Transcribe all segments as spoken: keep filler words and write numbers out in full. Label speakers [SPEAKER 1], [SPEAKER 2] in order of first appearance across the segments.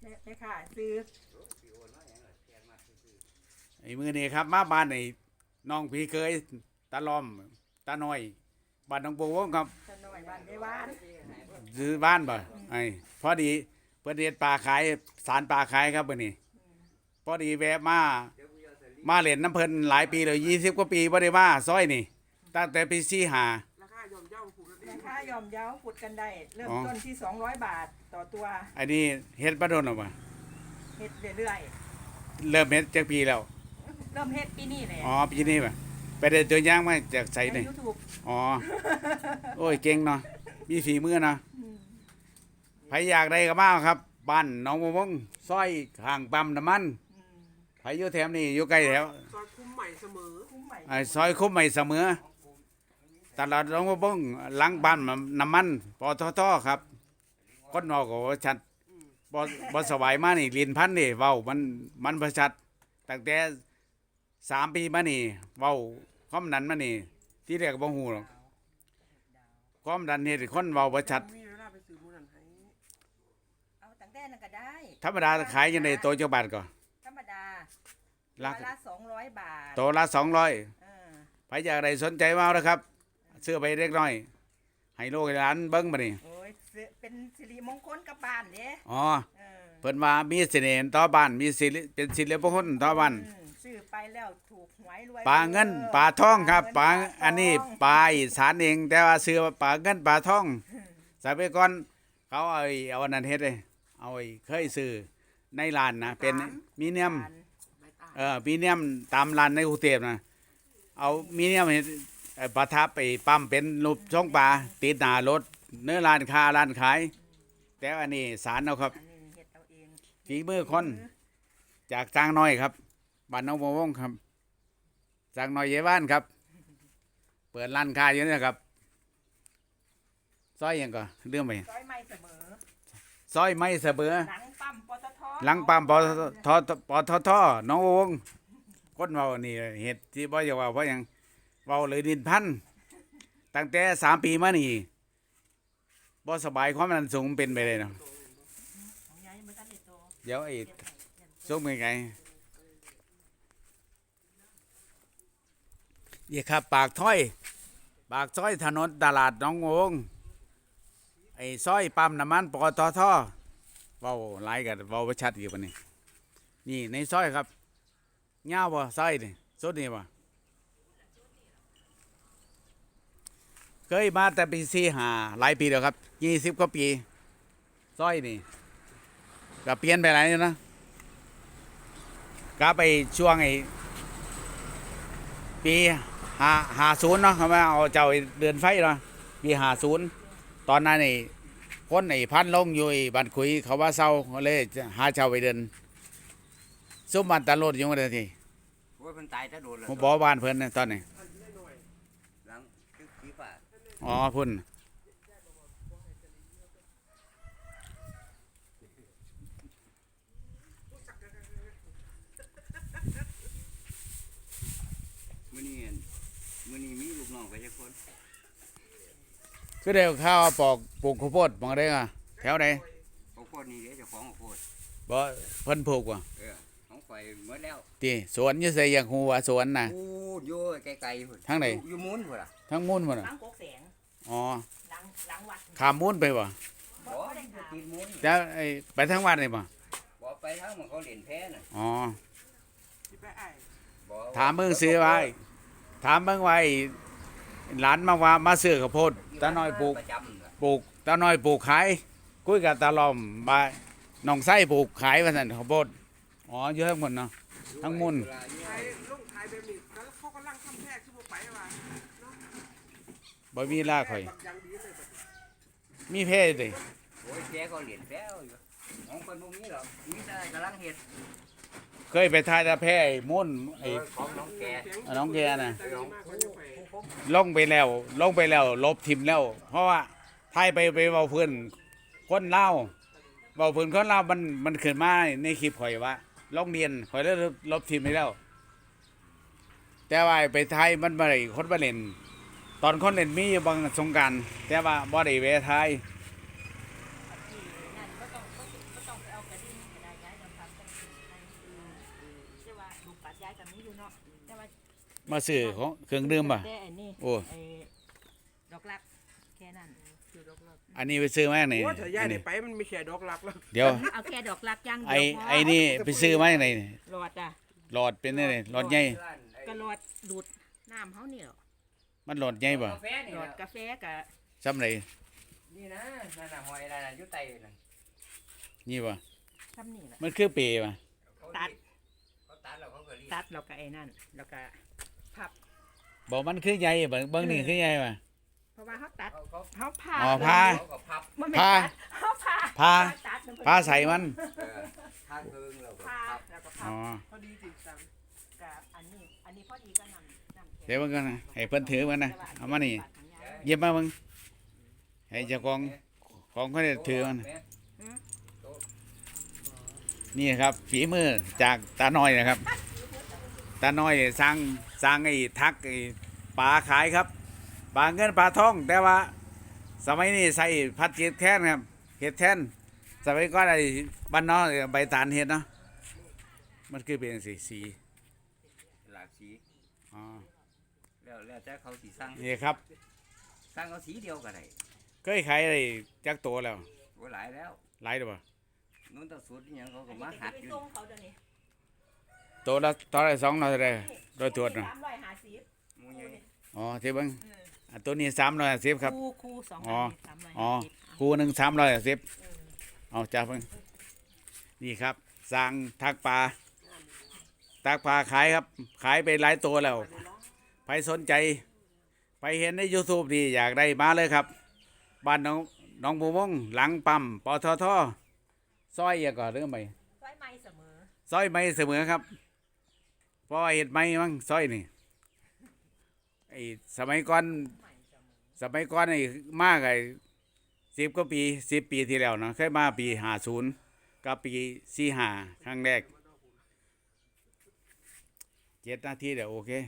[SPEAKER 1] แม่แม่ค่ะซื้อ
[SPEAKER 2] ไอ้มือนี่ครับมาบ้านไอ้น้องพี่เคยตาล้อมตาน้อยบ้านน้องปูวงครับ
[SPEAKER 1] จะหน่อยบ้านไม่ว่าน
[SPEAKER 2] ซื้อบ้านบ่ไอ้พอดีเพิ่นเฮ็ดปลาขายสารปลาขายครับมื้อนี้พอดีแวะมามาเล่นน้ำเพิ่นหลายปีเลยยี่สิบกว่าปีบ่ได้มาซอยนี่ตั้งแต่ปีสี่ห้า
[SPEAKER 3] ราคายอมเย่าผูกแล้ว
[SPEAKER 1] ราคายอมเยาขุดกันได้ เริ่มต้นที่สองร้อยบาทต่อตัว
[SPEAKER 2] อันนี้เฮ็ดบ่โดนหรอกบ่
[SPEAKER 1] เฮ็ดเรื่อย
[SPEAKER 2] เริ่มเฮ็ดจักปีแล้ว
[SPEAKER 1] ๆเริ่มเฮ็ดปีนี้แหละ
[SPEAKER 2] อ๋อปีนี้บ่ไปได้ตัวอย่างมาจากไส
[SPEAKER 1] ใน
[SPEAKER 2] นี่
[SPEAKER 1] ยูทูบ
[SPEAKER 2] อ๋อโอ้ยเก่งเนาะมีฝีมือเนาะใครอยากได้ก็มาครับบ้านหนองบัววงซอยข้างปั๊มน้ำมันใครอยู่แถวนี้อยู่ใกล้แถว
[SPEAKER 3] ซอยคุ้มใหม่เสมอ
[SPEAKER 1] คุ้มใหม่
[SPEAKER 2] ไอ้ซอยคุ้มใหม่เสมอตลาดหนองบัววงหลังบ้านน้ำมันปตทครับคนนอกก็ว่าชัดบ่บ่สบายมานี่ลินพันธุ์นี่เว้ามันมันบ่ชัดตั้งแต่สามปีมานี่เว้าความนั้นมานี่ที่แรกก็บ่ฮู้หรอกความดันเฮ็ดให้คนเว้าบ่ชัด
[SPEAKER 3] มีเวลาไปซื้อมูนันให้
[SPEAKER 1] เอาตั้งแต่นั้นก็ได้
[SPEAKER 2] ธรรมดาขายยังไงโตจักบาทก่อน
[SPEAKER 1] ธรรมดา
[SPEAKER 2] รา
[SPEAKER 1] ตัว
[SPEAKER 2] คา
[SPEAKER 1] ละสองร้อยบาท
[SPEAKER 2] โตละสองร้อย
[SPEAKER 1] เออ
[SPEAKER 2] ใครอยากได้สนใจมาเอานะครับเสื้อไปเล็กน้อย ให้ลูกให้หลานเบิ้งมานี่
[SPEAKER 1] โอ้ยซื้อเป็นสิริมงคลกับบ้านเด้
[SPEAKER 2] อ๋อ
[SPEAKER 1] เออ
[SPEAKER 2] เพิ่นว่ามีเสน่ห์ต่อบ้านมีสิริเป็นสิริมงคลต่อบ้าน
[SPEAKER 1] อืมซื้อไปแล้วถูกหวยรวย
[SPEAKER 2] ปลาเงินปลาทองครับปลาอันนี้ปลาอีสานเอง แต่ว่าซื้อว่าปลาเงินปลาทองสมัยก่อนเขาเอาไอ้เอาอันนั้นเฮ็ดเลยเอาไอ้เคยซื้อในร้านนะเป็นมีเนียม
[SPEAKER 3] ใบตา
[SPEAKER 2] เออมีเนียมตามร้านในกรุงเทพนะเอามีเนียมเฮ็ดเอ่อประทับไปปั๊มเป็นรูปช่องปลาติดหน้ารถเนื้อร้านค้าร้านขาย แต่อันนี้สารเอาครับ
[SPEAKER 1] อันนี้เฮ็ดเอาเอง
[SPEAKER 2] ฝีมือคนจากจางน้อยครับบ้านน้องบัววงครับจางน้อยเยบ้านครับ เปิดร้านค้าอยู่นี่นะครับซอยหยังก็เรื่องไป
[SPEAKER 1] ซอยไม่เสมอ
[SPEAKER 2] ซอยไม่เสมอ
[SPEAKER 1] หลังปั๊มปตท
[SPEAKER 2] หลังปั๊มปตทปตทน้องบัววงคนเว้านี่เหตุที่บ่อยากเว่าเพราะหยังเว้าเลยดินพันตั้งแต่สามปีมานี่บ่สบายความดันสูงเป็นไปเลยเนาะ
[SPEAKER 1] ของยายมันทันได้โต
[SPEAKER 2] เดี๋ยวไอ้สูงเป็นไงนี่ครับปากถ้อย ปากซอยถนนตลาดหนองบัววงไอ้ซอยปั๊มน้ำมันปตทเว้าหลายกันเว้าบ่ชัดอยู่ปานนี้นี่ในซอยครับยาวบ่ซอยนี่สุดนี่บ่เคยมาแต่ปีสี่ห้าหลายปีแล้วครับยี่สิบกว่าปีซอยนี่ก็เปลี่ยนไปหลายอยู่นะก็ไปช่วงไอ้ปีห้าห้าศูนย์เนาะเขามาเอาเจ้าไอ้เดือนไฟเนาะปีห้าศูนย์ตอนนั้นไอ้คนไอ้พันลงอยู่ไอ้บ้านคุยเขาว่าเศร้าเขาเลยหาเจ้าไปเดินซุ่มบ้านตาโลดอยู่มาที
[SPEAKER 4] ว่ามันตายถ้าโดนแล้ว
[SPEAKER 2] ผมบอกบ้านเพิ่นนะตอนนี้
[SPEAKER 4] หลังคือขี้ฝ่า
[SPEAKER 2] อ๋อพุ่น
[SPEAKER 4] มื้อนี้มื้อนี้มีลูกน้องไปจักคน
[SPEAKER 2] คือเดี๋ยวข้าวปอกปลูกข้าวโพดมองได้ก่ะแถวไหน
[SPEAKER 4] เขาโคตรนี่เด้เจ้าของเขาโคตร
[SPEAKER 2] บ่เพิ่นปลูกว่ะ
[SPEAKER 4] เออของข่อยหมดแล้ว
[SPEAKER 2] ที่สวนอยู่ไสอย่างฮู้ว่าสวนน่ะ
[SPEAKER 4] อู้อยู่ไกลๆพุ่น
[SPEAKER 2] ทางไหน
[SPEAKER 4] อยู่อยู่มุ้นพุ่นล่ะ
[SPEAKER 2] ทั้งมุ่นบ่น่ะ
[SPEAKER 1] หลังโกกแสง
[SPEAKER 2] อ๋อ
[SPEAKER 1] หลังหลังวัด
[SPEAKER 2] ข้ามมุ่นไปบ่
[SPEAKER 1] บ่
[SPEAKER 4] บ่
[SPEAKER 1] ได้
[SPEAKER 4] อยู่
[SPEAKER 1] ถาม
[SPEAKER 4] ติดมุ้น
[SPEAKER 2] แล้วไอ้ไปทางวัดนี่บ่
[SPEAKER 4] บ่ไปทางมันเขาเล่นแพ้น่ะ
[SPEAKER 2] อ๋อ
[SPEAKER 3] ที่ไปไอ้
[SPEAKER 4] บ่
[SPEAKER 2] ถามเบิ่งซื้อไว้ถามเบิ่งไว้หลานมาว่ามาซื้อข้าวโพดตาน้อยปลูก
[SPEAKER 4] ประจำน่ะ
[SPEAKER 2] ปลูกตาน้อยปลูกขายคุยกับตาล้อมบ่าน้องไส้ปลูกขายว่าซั่นข้าวโพดอ๋ออยู่ทั้งหมดเนาะ ทั้งมุ้น
[SPEAKER 4] เวลาอยู่
[SPEAKER 3] ไทยลงไทยแบบนี้แล้วเขากำลังทำแพร่ขึ้นมาไปว่าเนาะ
[SPEAKER 2] บ่มีลาข่อย
[SPEAKER 3] แบบอย่างดีเลยแบบ
[SPEAKER 2] มีเพศดิ
[SPEAKER 4] โอ้ยแกก็เล่นแพ้อยู่ของคนบ่มีหรอกมีแต่กำลังเฮ็ด
[SPEAKER 2] เคยไปทายตาแพ้ไอ้มุ่นไอ้
[SPEAKER 4] ของน้องแก
[SPEAKER 2] อ่ะน้องแกน่ะ
[SPEAKER 3] แต่ดีมากเขาจะไป
[SPEAKER 2] ลงไปแล้วลงไปแล้วลบทิมแล้ว เพราะว่าทายไปไปเว้าเพิ่นคนเล่าวเว้าเพิ่นคนเล่าวมันมันขึ้นมาในคลิปข่อยว่าลงเรียนข่อยเลยลบทิมไปแล้ว แต่ว่าไปไทยมันบ่ได้คนบ่เล่น ตอนคนเล่นมีอยู่บางสงกรานต์แต่ว่าบ่ได้แวะไทย
[SPEAKER 1] นั่นก็ต้องก็ต้องไปเอากระดิ่งายกับนี้อยู่เนาะแต่ว่า
[SPEAKER 2] มาซื้อของเครื่องดื่มป่ะ
[SPEAKER 1] แต่ไอ้นี่
[SPEAKER 2] โอ้
[SPEAKER 1] ไอ้ดอกรักแค่นั้น
[SPEAKER 3] คือดอกลัก
[SPEAKER 2] อันนี้ไปซื้อมาจากไหน
[SPEAKER 3] โอ้ถ้าย้าย
[SPEAKER 2] อัน
[SPEAKER 3] ได้
[SPEAKER 2] นี้
[SPEAKER 3] ไปมันมีแค่ดอกลักแล้ว
[SPEAKER 2] เดี๋ยว
[SPEAKER 1] เอาแค่ดอกรักอย่างเดี
[SPEAKER 2] ไอ้
[SPEAKER 1] ยวพอ
[SPEAKER 2] ไอ้นี่ไปซื้อมาจากไหนนี่
[SPEAKER 1] หลอดอ่ะ
[SPEAKER 2] หลอดเป็นนี่หลอดใหญ่
[SPEAKER 1] ก็หลอดดูดน้ำเขาเนี่ย
[SPEAKER 2] มันหลอดใหญ่ป่ะ
[SPEAKER 4] กาแฟนี่
[SPEAKER 1] หลอด
[SPEAKER 4] นะ
[SPEAKER 1] กาแฟกับ
[SPEAKER 2] ซ้ำไหน
[SPEAKER 4] นี่นะนั่นน่ะหอยนั่นน่ะอยู่ใต้นั่น
[SPEAKER 2] นี่ป่ะ
[SPEAKER 1] ซ้ำนี่แหละ
[SPEAKER 2] มันคือเปรย์ป่ะ
[SPEAKER 4] เขา
[SPEAKER 1] ตัด
[SPEAKER 4] เขาตัดแล้วเขาก็รีด
[SPEAKER 1] ตัดแล้วก็ไอ้นั่นแล้วก็พับ
[SPEAKER 2] บอกมันคือใหญ่ป่ะเบิ่งนี่คือใหญ่ป่ะ
[SPEAKER 1] เพราะว่าเขาตัด
[SPEAKER 4] เขาเขา
[SPEAKER 1] เขาผ่า
[SPEAKER 2] อ๋อผ่า
[SPEAKER 4] เขาก็พับ
[SPEAKER 1] มันไม่
[SPEAKER 2] ผ้า
[SPEAKER 1] ตัดเขาผ่า
[SPEAKER 2] ผ้า
[SPEAKER 1] ตัด
[SPEAKER 2] ผ้าใส่มัน
[SPEAKER 4] เออผ้าครึ่งแล้วก็
[SPEAKER 1] ผ่า
[SPEAKER 4] พับ
[SPEAKER 1] แล้วก็พั
[SPEAKER 2] อ๋
[SPEAKER 1] บ
[SPEAKER 2] อ
[SPEAKER 3] พอดีติดสั่ง
[SPEAKER 1] กับอันนี้อันนี้พอดีก็นำนำแขน
[SPEAKER 2] เดี๋ยวมันกันนะให้เพิ่นถือมันนะเอามานี่เยี่ยมมามึงให้เจ้าของของเขาได้ถือมัน นี่ครับฝีมือจากตาน้อยนะครับ ตาน้อยสร้างสร้างไอ้ทักไอ้ปลาขายครับปลาเงินปลาทองแต่ว่า สมัยนี้ใส่พัดเห็ดแท่นครับเห็ดแท่นสมัยก่อนไอ้บ้านนอกใบตาลเห็ดเนาะมันคือเป็นสีสี
[SPEAKER 4] หลากสี
[SPEAKER 2] อ๋อ
[SPEAKER 4] แล้วแล้วแต่เขาสีสั่ง
[SPEAKER 2] นี่ครับ
[SPEAKER 4] สั่งเอาสีเดียวก็ได้
[SPEAKER 2] เคยขายอะไรจักตัวแล้ว
[SPEAKER 4] โอ้หลายแล้ว
[SPEAKER 2] หลายตัวบ่
[SPEAKER 4] นู้นตะสุดนี่ยังเขาก็
[SPEAKER 1] อัน
[SPEAKER 4] มา
[SPEAKER 1] นี้
[SPEAKER 4] หัด
[SPEAKER 1] ไป
[SPEAKER 4] อยู่
[SPEAKER 1] ส่งเขาเดี๋ยวนี้
[SPEAKER 2] ตัวละตัวละสองร้อยเท่าไหรโดยตัวจนะ
[SPEAKER 1] สามร้อยห้าสิบ
[SPEAKER 4] หมูใหญ่
[SPEAKER 2] อ๋อที่เบิ้ง
[SPEAKER 1] เออ
[SPEAKER 2] อันตัวนี้สามร้อยสิบครับ
[SPEAKER 1] คู่คู่สอง
[SPEAKER 2] อ๋อ
[SPEAKER 1] อันนี้สามร้อย
[SPEAKER 2] อ๋อ
[SPEAKER 1] ห้าสิบ
[SPEAKER 2] คู่หนึ่งสามร้อยสิบ
[SPEAKER 1] เออ
[SPEAKER 2] เอาจ้าเพิ่งนี่ครับสร้างทักปลาทักปลาขายครับ ขายไปหลายตัวแล้วใครสนใจไปเห็นใน YouTube ดีอยากได้มาเลยครับ บ้านน้องน้องบูมงหลังปั๊มปตทซอยอย่าก่อนเรื่องใหม่
[SPEAKER 1] ร้อยไม้เสมอ
[SPEAKER 2] ซอยไม่เสมอครับเพราะว่าเห็ดไม่มั้งซอยนี่ไอ้สมัยก่อนสมัยก่อนไอ้มากไอ้สิบกว่าปีสิบปีที่แล้วเนาะเคยมาปีห้าศูนย์กับปีสี่ห้าครั้งแรกเจ็ดนาทีเดี๋ยวโอเค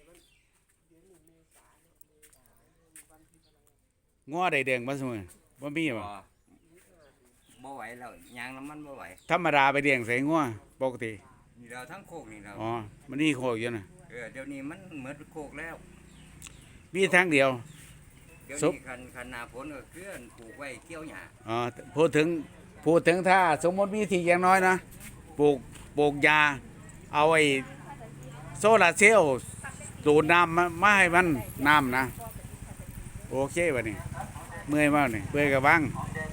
[SPEAKER 2] ง้อได้เด้งมาเสมอบ่มี
[SPEAKER 4] บ่
[SPEAKER 2] บ่
[SPEAKER 4] บ่ไหวแล้วยางน้ำมันบ่ไหว
[SPEAKER 2] ธรรมดาไปเด้งใส่ง้อปกติ
[SPEAKER 4] นี่เราทั้งโคกนี่เรา
[SPEAKER 2] อ๋อมันนี่โคกอยู่นะ
[SPEAKER 4] เออเดี๋ยวนี้มันเหมือนโคกแล้ว
[SPEAKER 2] มีทางเดียว
[SPEAKER 4] เดี๋ยว
[SPEAKER 2] ซุป
[SPEAKER 4] นี้คันคันหนาฝนก็เคลื่อนปลูกไว้เกี่ยวหญ้า
[SPEAKER 2] อ๋อพูดถึงพูดถึงถ้าสมมติมีที่อย่างน้อยนะปลูกปลูกยา เอาไอ้โซลาร์เซลล์ดูดน้ำมามาให้มันน้ำนะ โอเควะนี่เมื่อยมากนี่เมื่อยกับบ้าง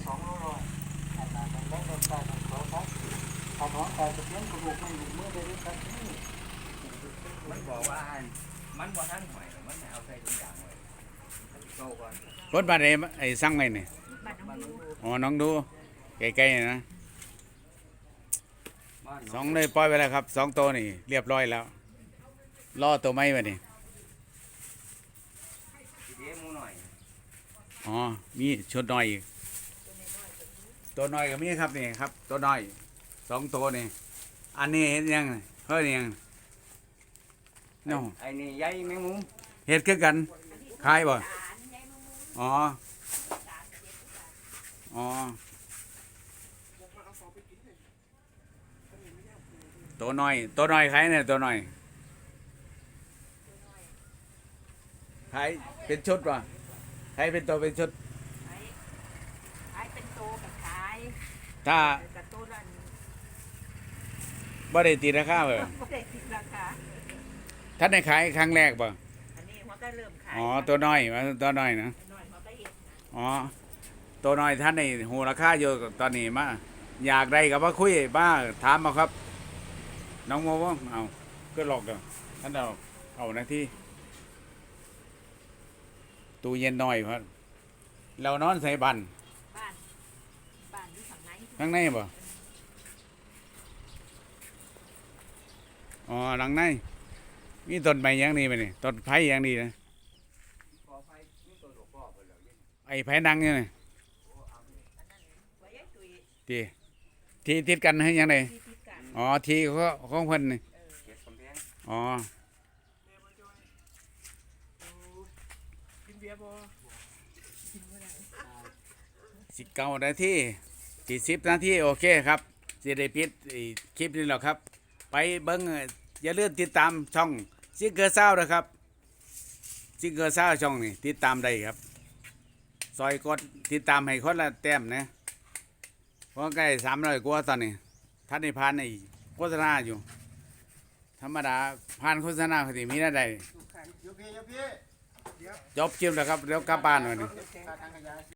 [SPEAKER 4] มันบอกว่ามันบ่ทันหอยหรอกมันเอาใส่ถุงยางไว้โตก่อน
[SPEAKER 2] รถบัสไอ้ไอ้สั่งไงนี่
[SPEAKER 1] บัตรน้องดู
[SPEAKER 2] อ๋อน้องดูใกล้ๆนะ
[SPEAKER 4] บ้าน
[SPEAKER 2] สองเลยปล่อยไปแล้วครับสองตัวนี่เรียบร้อยแล้วล่อตัวไม้ไปนี่
[SPEAKER 4] เดี๋ยวหมูหน่อย
[SPEAKER 2] อ๋อมีชุดน้อยอีกตัวน้อยก็มีครับนี่ครับ ตัวน้อยสองตัวนี่อันนี้เห็นยังเฮ้ยยังเนาะ
[SPEAKER 4] ไอ้นี่ใหญ่แมงมุม
[SPEAKER 2] เฮ็ดคือกันขายบ่
[SPEAKER 1] อ่านยายนุ่ม
[SPEAKER 2] อ๋อ อ๋อ ตัวน้อย ตัวน้อยขายเนี่ยตัวน้อยขายเป็นชุดป่ะขายเป็นตัวเป็นชุด
[SPEAKER 1] ขายขายเป็นโตกับขาย
[SPEAKER 2] ถ้า
[SPEAKER 1] กับโตละ
[SPEAKER 2] บ่ได้ตีราคาเบ่
[SPEAKER 1] ไม่ได้คิดราคา
[SPEAKER 2] ท่านได้ขายครั้งแรกป่ะ
[SPEAKER 1] อันนี้หัวก็เริ่มขาย
[SPEAKER 2] อ๋อ ตัวน้อยมาตัวน้อยนะ
[SPEAKER 1] น้อยหัวก็เห็ดนะ
[SPEAKER 2] อ๋อ ตัวน้อยท่านในหูราคาอยู่ตอนนี้มา อยากได้กับว่าคุยบ้าถามมาครับ น้องโมว่าเอาก็หลอกเด้อท่านเอาเอาหน้าที่ตู้เย็นน้อยครับเรานอนใส่บัน
[SPEAKER 1] บ้านบ้านอยู่ฝั่งไหน
[SPEAKER 2] ข้างในบ่อ๋อหลังในมีต้นไม้อย่างนี้ไหมนี่ต้นไผ่อย่างนี้นะ
[SPEAKER 4] ขอไฟนี่ตัวดอกพ่อเพิ่นแล้วนี่
[SPEAKER 2] ไอ้ไผ่ดังเนี่ยนะ
[SPEAKER 1] ไว้ยายตุย
[SPEAKER 2] ที่ที่ติดกันให้ยังไง
[SPEAKER 1] ที่ติดกัน
[SPEAKER 2] อ๋อที่เขาของเพิ่นนี่
[SPEAKER 4] เก็บกำแพง
[SPEAKER 2] อ๋อ
[SPEAKER 3] กินเบียร์บ่
[SPEAKER 2] สิบเก้านาทีสี่สิบนาทีโอเคครับสิได้ปิดไอ้คลิปนี้แล้วครับ ไปเบิ้งอย่าลืมติดตามช่องซิงเกอร์เศร้านะครับซิงเกอร์เศร้าช่องนี่ติดตามได้ครับซอยกดติดตามให้คนละแต้มนะเพราะใกล้สามร้อยกว่าตอนนี้ท่านในพานในโฆษณาอยู่ธรรมดาผ่านโฆษณาเขาสิมีได้
[SPEAKER 3] ทุกครั้ง
[SPEAKER 5] โยพี่โยพี่
[SPEAKER 2] จบคลิปแล้วครับเดี๋ยวกลับบ้านวันนี้
[SPEAKER 3] โอเค
[SPEAKER 5] ทางขยาย